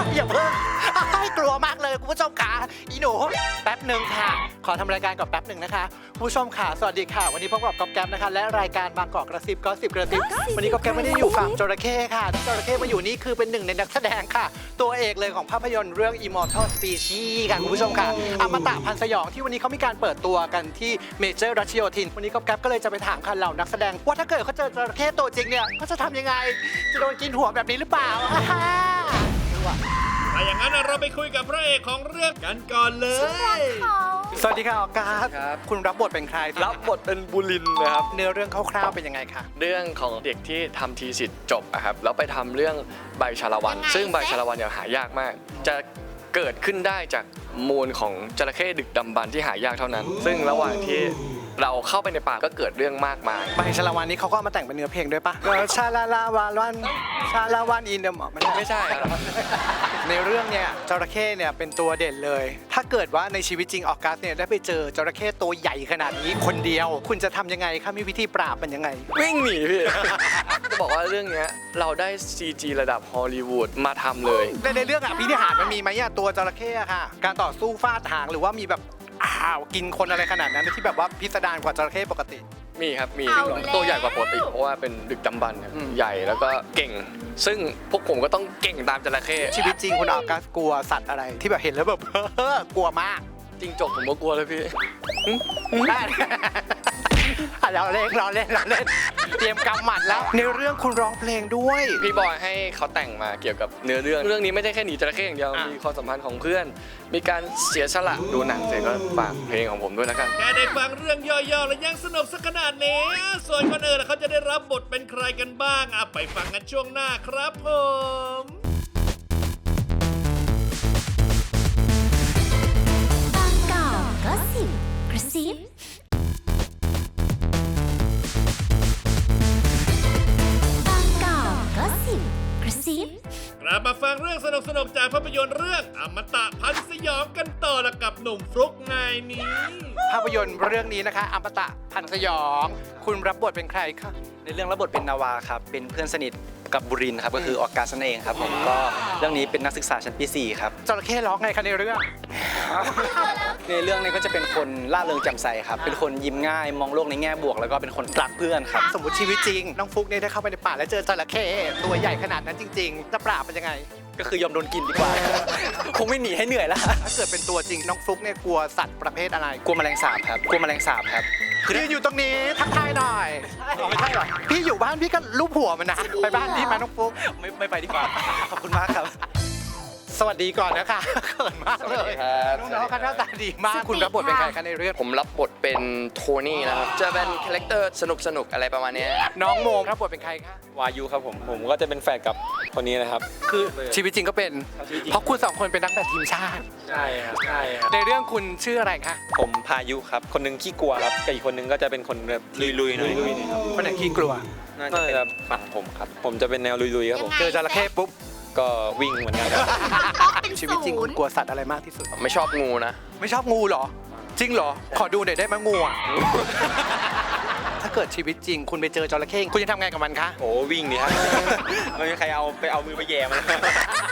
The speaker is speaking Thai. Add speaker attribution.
Speaker 1: อย่าเพิ่งกลัวมากเลยคุณผู้ชมค่ะอีหนูแป๊บหนึ่งค่ะขอทำรายการก่อนแป๊บหนึ่งนะคะผู้ชมค่ะสวัสดีค่ะวันนี้พบกับก๊อฟแก๊ปนะคะและรายการบางกอกกระซิบก็สิบกระซิบวันนี้ก๊อฟแก๊ปไม่ได้อยู่ฝั่งจระเข้ค่ะจระเข้มาอยู่นี่คือเป็นหนึ่งในนักแสดงค่ะตัวเอกเลยของภาพยนตร์เรื่อง Immortal Species ค่ะคุณผู้ชมค่ะอมตะพันธ์สยองที่วันนี้เขามีการเปิดตัวกันที่เมเจอร์รัชโยธินวันนี้ก๊อฟแก๊ปก็เลยจะไปถามค่ะเหล่านักแสดงว่าถ้าเกิดเขาเจอจระเข้ตัวจริงเนี่ยเขาจะทำยังไงจะโดนกินหัวแบบนี้หรือเปล่า
Speaker 2: ถ้าอย่างนั้นเราไปคุยกับพระเอกของเรื่องกันก่อนเลย
Speaker 1: สวัสดีค่ะออกัสคุณรับบทเป็นใคร
Speaker 3: รับบทเป็นบุรินทร์นะครับ
Speaker 1: เนื้อเรื่องคร่าวๆเป็นยังไงคะ
Speaker 3: เรื่องของเด็กที่ทำทีสิทธิ์จบอะครับแล้วไปทำเรื่องใบชาละวันซึ่งใบชาละวันเนี่ยหายากมากจะเกิดขึ้นได้จากมูลของจระเข้ดึกดำบรรพ์ที่หายากเท่านั้นซึ่งระหว่างที่เราเข้าไปในป่าก็เกิดเรื่องมากมาย
Speaker 1: ใบชาละวันนี้เขาก็เอามาแต่งเป็นเนื้อเพลงด้วยปะชาลาลาวาวันชาลาวันอินเดม
Speaker 3: ไม่ใช่ครับ
Speaker 1: ในเรื่องเนี่ยจระเข้เนี่ยเป็นตัวเด่นเลยถ้าเกิดว่าในชีวิตจริงออกัสเนี่ยได้ไปเจอจระเข้ตัวใหญ่ขนาดนี้คนเดียวคุณจะทำยังไงคะมีวิธีปราบมันยังไง
Speaker 3: วิ่งหนีพี่ จะบอกว่าเรื่องนี้เราได้ CG ระดับฮอลลีวูดมาทำเลย
Speaker 1: ในเรื่องอภินิหารมันมีไหมตัวจระเข้ค่ะการต่อสู้ฟาดหางหรือว่ามีแบบกินคนอะไรขนาดนั้นที่แบบว่าพิสดารกว่าจระเข้ปกติ
Speaker 3: มีครับมีตัวใหญ่กว่าปกติเพราะว่าเป็นดึกดำบรรพ์ใหญ่แล้วก็เก่งซึ่งพวกผมก็ต้องเก่งตามจระเข้
Speaker 1: ชีวิตจริงคุณออกัสกลัวสัตว์อะไรที่แบบเห็นแล้วแบบกลัวมาก
Speaker 3: จริงจกผมก็กลัวเลยพี่
Speaker 1: เราเล่นเตรียมกำหมัดแล้วในเรื่องคุณร้องเพลงด้วย
Speaker 3: พี่บอยให้เขาแต่งมาเกี่ยวกับเนื้อเรื่องนี้ไม่ใช่แค่หนีจระเข้อย่างเดียวมีความสัมพันธ์ของเพื่อนมีการเสียสละดูหนังเสร็จก็ฝากเพลงของผมด้วยแล้วกัน
Speaker 2: แค่ได้ฟังเรื่องย่อๆแล้วยังสนุกสักขนาดนี้ส่วนคนอื่นเขาจะได้รับบทเป็นใครกันบ้างไปฟังกันช่วงหน้าครับผม
Speaker 4: บางกอกก็สิบกระซิบ
Speaker 2: กลับมาฟังเรื่องสนุกๆจากภาพยนตร์เรื่องอมตะพันธ์สยองกันต่อละกับหนุ่มฟลุ๊กไงนี้
Speaker 1: ภาพยนตร์เรื่องนี้นะคะอมตะพันธ์สยองคุณรับบทเป็นใครคะ
Speaker 5: ในเรื่องรับบทเป็นนาวาครับเป็นเพื่อนสนิทกับบุรินทร์ครับก็คือออกัสนั่นเองครับผมก็เรื่องนี้เป็นนักศึกษาชั้นปี 4ครับ
Speaker 1: จระเข้ร้องไงคะในเรื่อง
Speaker 5: ในเรื่องนี้ก็จะเป็นคนล่าเริงแจ่มใสครับเป็นคนยิ้มง่ายมองโลกในแง่บวกแล้วก็เป็นคนรักเพื่อนครับ
Speaker 1: สมมติชีวิตจริงน้องฟุ๊กเนี่ยได้เข้าไปในป่าแล้วเจอจระเข้ตัวใหญ่ขนาดนั้นจริงๆจะปราบมันยังไง
Speaker 5: ก็คือยอมโดนกินดีกว่าคงไม่หนีให้เหนื่อยแล้ว
Speaker 1: ถ้าเกิดเป็นตัวจริงน้องฟลุ๊กเนี่ยกลัวสัตว์ประเภทอะไร
Speaker 5: กลัวแมลงสาบครับกลัวแมลงสาบครับ
Speaker 1: คืออยู่ตรงนี้ทักทายหน่อยไม่ใช่หรอพี่อยู่บ้านพี่ก็ลูบหัวมันนะไปบ้านพี่มาน้องฟลุ๊ก
Speaker 5: ไม่ไปดีกว่าขอบคุณมากครับ
Speaker 1: สวัสดีก่อนนะคะเขินมากเลยน้องๆหน้าตาดีมากคุณรับบทเป็นใครคะในเรื่อง
Speaker 3: ผมรับบทเป็นโทนี่นะครับจะเป็นคาแรคเตอร์สนุกอะไรประมาณนี้
Speaker 1: น้องโมรับบทเป็นใครคะ
Speaker 6: วายุครับผมก็จะเป็นแฟนกับคนนี้นะครับ
Speaker 1: คือชีวิตจริงก็เป็นเพราะคุณ2คนเป็นนักแบดทีมชาติ
Speaker 6: ใช่ครับ
Speaker 1: ในเรื่องคุณชื่ออะไรคะ
Speaker 6: ผมพายุครับคนนึงขี้กลัวครับแต่อีกคนนึงก็จะเป็นคนแบบลุยๆหน่อย
Speaker 1: คนไหนขี้กลัว
Speaker 6: น่าจะเป็นฝั่งผมครับผมจะเป็นแนวลุยๆครับผม
Speaker 1: เจอจระเข้ปุ๊บ
Speaker 6: ก็วิ่งเหมือนกัน
Speaker 1: ชีวิตจริงคุณกลัวสัตว์อะไรมากที่สุด
Speaker 3: ไม่ชอบงูนะ
Speaker 1: ไม่ชอบงูเหรอจริงเหรอขอดูหน่อยได้ไหมงูอ่ะถ้าเกิดชีวิตจริงคุณไปเจอจระเข้คุณจะทำไงกับมันคะ
Speaker 6: โอ้วิ่งดิครับไม่มีใครเอามือไปแย่มัน